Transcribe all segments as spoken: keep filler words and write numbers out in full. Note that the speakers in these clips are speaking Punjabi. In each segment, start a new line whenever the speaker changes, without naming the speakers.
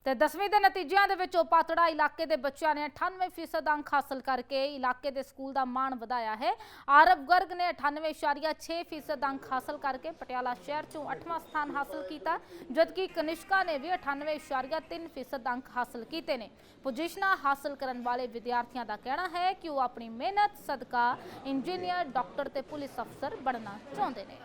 ਤੇ ਦਸवीं ਦੇ ਨਤੀਜਿਆਂ ਦੇ ਵਿੱਚ ਪਾਤੜਾ ਇਲਾਕੇ ਦੇ ਬੱਚਿਆਂ ਨੇ ਅਠਾਨਵੇਂ ਫੀਸਦ ਅੰਕ ਹਾਸਲ ਕਰਕੇ ਇਲਾਕੇ ਦੇ ਸਕੂਲ ਦਾ ਮਾਣ ਵਧਾਇਆ ਹੈ। ਆਰਵ ਗਰਗ ਨੇ ਅਠਾਨਵੇਂ ਇਸ਼ਾਰੀਆ ਛੇ ਫੀਸਦ ਅੰਕ ਹਾਸਲ ਕਰਕੇ ਪਟਿਆਲਾ ਸ਼ਹਿਰ ਚੋਂ ਅੱਠਵਾਂ ਸਥਾਨ ਹਾਸਲ ਕੀਤਾ, ਜਦਕਿ ਕਨਿਸ਼ਕਾ ਨੇ ਵੀ ਅਠਾਨਵੇਂ ਇਸ਼ਾਰੀਆ ਤਿੰਨ ਫੀਸਦ ਅੰਕ ਹਾਸਲ ਕੀਤੇ ਨੇ। ਪੋਜੀਸ਼ਨਾਂ ਹਾਸਲ ਕਰਨ ਵਾਲੇ ਵਿਦਿਆਰਥੀਆਂ ਦਾ ਕਹਿਣਾ ਹੈ ਕਿ ਉਹ ਆਪਣੀ ਮਿਹਨਤ ਸਦਕਾ ਇੰਜੀਨੀਅਰ, ਡਾਕਟਰ ਤੇ ਪੁਲਿਸ ਅਫਸਰ ਬਣਨਾ ਚਾਹੁੰਦੇ ਨੇ।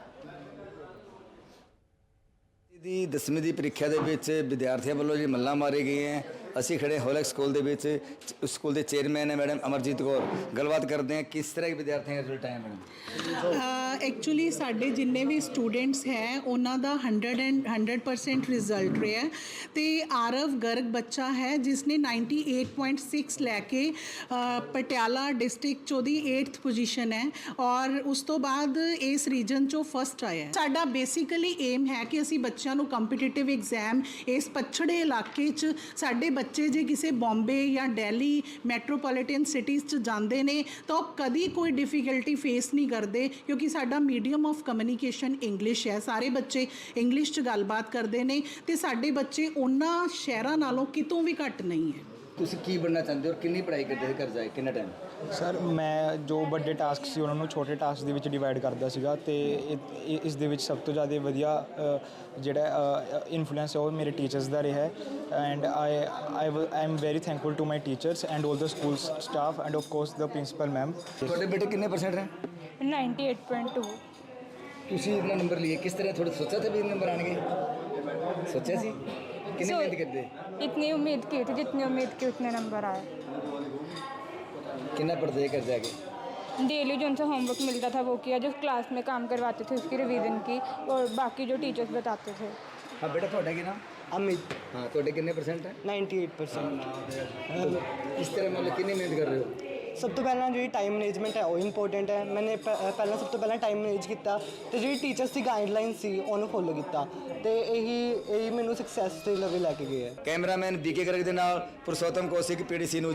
ਦੀ ਦਸਵੀਂ ਦੀ ਪ੍ਰੀਖਿਆ ਦੇ ਵਿੱਚ ਵਿਦਿਆਰਥੀਆਂ ਵੱਲੋਂ ਜੀ ਮੱਲਾਂ ਮਾਰੇ ਗਏ ਹੈ। ਅਸੀਂ ਖੜੇ ਹੋਲਕ ਸਕੂਲ ਦੇ ਵਿੱਚ, ਸਕੂਲ ਦੇ ਚੇਅਰਮੈਨ ਹੈ ਮੈਡਮ ਅਮਰਜੀਤ ਕੌਰ, ਗੱਲਬਾਤ ਕਰਦੇ हैं किस तरह के विद्यार्थियों का रिजल्ट आया मैडम?
एक्चुअली साढ़े जिन्ने भी स्टूडेंट्स हैं उन्हों का hundred and hundred percent result रहा है। तो आरव गर्ग बच्चा है जिसने नाइन्टी एट पॉइंट सिक्स लैके पटियाला डिस्ट्रिक्ट चो दी एट्थ पोजीशन है और उस तो बाद इस रीजन चो फस्ट आया है। साडा बेसिकली एम है कि असी बच्चों को कंपीटिटिव एग्जाम इस पछड़े इलाके च साडे बच्चे जे किसी बॉम्बे या दिल्ली मैट्रोपोलिटन सिटीज़ च जाते हैं तो कभी कोई डिफिकल्टी फेस नहीं करते, क्योंकि साडा मीडियम ऑफ कम्युनिकेशन इंग्लिश है। सारे बच्चे इंग्लिश च गलबात करते हैं तो साडे बच्चे उन्हां शहरां नालों कितों भी घट नहीं है।
ਤੁਸੀਂ ਕੀ ਬਣਨਾ ਚਾਹੁੰਦੇ ਹੋ ਔਰ ਕਿੰਨੀ ਪੜ੍ਹਾਈ ਕਰਦੇ ਸੀ, ਕਰ ਜਾਏ ਕਿੰਨਾ ਟਾਈਮ?
ਸਰ ਮੈਂ ਜੋ ਵੱਡੇ ਟਾਸਕ ਸੀ ਉਹਨਾਂ ਨੂੰ ਛੋਟੇ ਟਾਸਕ ਦੇ ਵਿੱਚ ਡਿਵਾਈਡ ਕਰਦਾ ਸੀਗਾ ਤੇ ਇਸ ਦੇ ਵਿੱਚ ਸਭ ਤੋਂ ਜ਼ਿਆਦਾ ਵਧੀਆ ਜਿਹੜਾ ਇਨਫਲੂਐਂਸ ਹੈ ਉਹ ਮੇਰੇ ਟੀਚਰਸ ਦਾ ਰਿਹਾ ਹੈ। And I I I am very thankful to my teachers and all the school staff and of course the principal ma'am.
ਤੁਹਾਡੇ ਬੇਟੇ ਕਿੰਨੇ ਪਰਸੈਂਟ ਹੈ?
Ninety eight point two.
ਤੁਸੀਂ ਇਤਨਾ ਨੰਬਰ लिए किस तरह? थोड़ा सोचा था भी नंबर आएंगे? सोचा सी? कितनी
So,
मेहनत करते?
इतनी उम्मीद की थी, जितनी उम्मीद की उतने नंबर आए।
कितना पढ़ते कर जाके?
डेली जो उनसे होमवर्क मिलता था वो किया, जो क्लास में काम करवाते थे उसकी रिवीजन की, और बाकी जो टीचर्स बताते थे।
हाँ बेटा, थोड़ा की नाम?
ਅਮਿਤ
हाँ, थोड़े कितने परसेंट है?
Ninety eight percent.
इस तरह मतलब कितनी मेहनत कर रहे हो?
ਸਭ ਤੋਂ ਪਹਿਲਾਂ ਜਿਹੜੀ ਟਾਈਮ ਮੈਨੇਜਮੈਂਟ ਹੈ ਉਹ ਇੰਪੋਰਟੈਂਟ ਹੈ। ਮੈਨੇ ਪ- ਪਹਿਲਾਂ ਸਭ ਤੋਂ ਪਹਿਲਾਂ ਟਾਈਮ ਮੈਨੇਜ ਕੀਤਾ ਤੇ ਜਿਹੜੀ ਟੀਚਰਸ ਦੀ ਗਾਈਡਲਾਈਨ ਸੀ ਉਹਨੂੰ ਫੋਲੋ ਕੀਤਾ ਤੇ ਇਹੀ ਇਹੀ ਮੈਨੂੰ ਸਕਸੈਸ ਦੇ ਲੈਵਲ ਲੈ ਕੇ ਗਏ ਹੈ।
ਕੈਮਰਾਮੈਨ ਬੀਕੇ ਗਰਗ ਦੇ ਨਾਲ ਪੁਰਸ਼ੋਤਮ ਕੌਸ਼ਿਕ, ਪੀਡੀਸੀ ਨਿਊਜ਼।